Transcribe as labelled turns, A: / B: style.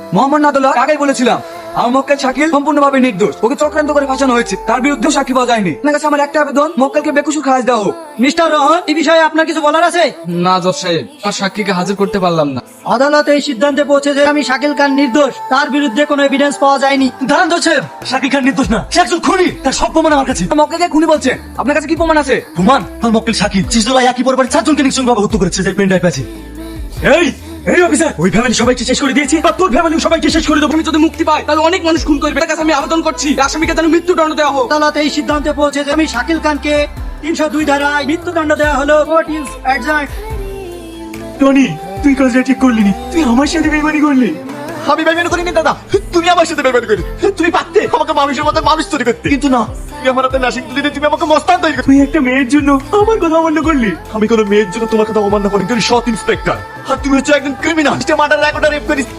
A: মোহাম্মদ নাদুল্লাহ আগেই বলেছিলাম আমার মক্কেল শাকিল সম্পূর্ণভাবে নির্দোষ। ওকে চক্রান্ত করে ফাঁসানো হয়েছে, তার বিরুদ্ধে সাক্ষী পাওয়া যায়নি। আপনার কাছে আমার একটা আবেদন, মক্কেলকে বেকসুর খালাস দেওয়া হোক।
B: মিস্টার রহমান, এই বিষয়ে আপনার কিছু বলার আছে?
A: না জজ সাহেব, আর সাক্ষীকে হাজির করতে পারলাম না।
B: আদালত এই সিদ্ধান্তে পৌঁছে যে আমি শাকিল খান নির্দোষ, তার বিরুদ্ধে কোনো এভিডেন্স পাওয়া যায়নি।
C: দাঁড়ান জজ সাহেব, শাকিল খান নির্দোষ না, সে একজন খুনি। তার সব প্রমাণ আমার কাছে।
A: মক্কেলকে খুনি বলছেন, আপনার কাছে কি প্রমাণ আছে?
C: প্রমাণ? আর মক্কেল শাকিল 30 জুলাই একই পরিবারের 4 জনকে নিঃসঙ্গভাবে হত্যা করেছে, যে পেন ড্রাইভ আছে। এই এই অফিসার, ওই ফ্যামিলি সবাইকে শেষ করে দিয়েছি, আর তোর ফ্যামিলি সবাইকে শেষ করে দেবো।
A: আমি যদি মুক্তি পাই তাহলে অনেক মানুষ খুন করবে। এটার কাছে আমি আবেদন করছি আসামিকে যেন মৃত্যুদণ্ড দেওয়া হোক।
B: আদালত এই সিদ্ধান্তে পৌঁছে যে আমি শাকিল খানকে 302 ধারায় মৃত্যুদণ্ড দেওয়া হলো। Court is adjourned.
C: টনি, তুই কাজটা ঠিক করলি নি, তুই আমার সাথে বেইমানি করলি।
D: আমি বেইমানি করিনি দাদা, তুমি আমার সাথে বেইমানি করি। তুমি পারতে আমাকে মানুষের মতো মানুষ তৈরি করতে, কিন্তু না, তুমি আমার হাতে নাসিক দিলে তুমি আমাকে মস্তান তৈরি করতে।
C: তুই একটা মেয়ের জন্য আমার কথা অমান্য করলি।
D: আমি কোনো মেয়ের জন্য তোমার কথা অমান্য করি, তুমি সৎ ইন্সপেক্টর, আর তুমি হচ্ছে একজন ক্রিমিনাল। মার্ডার রেকর্ডার রেপ করিস।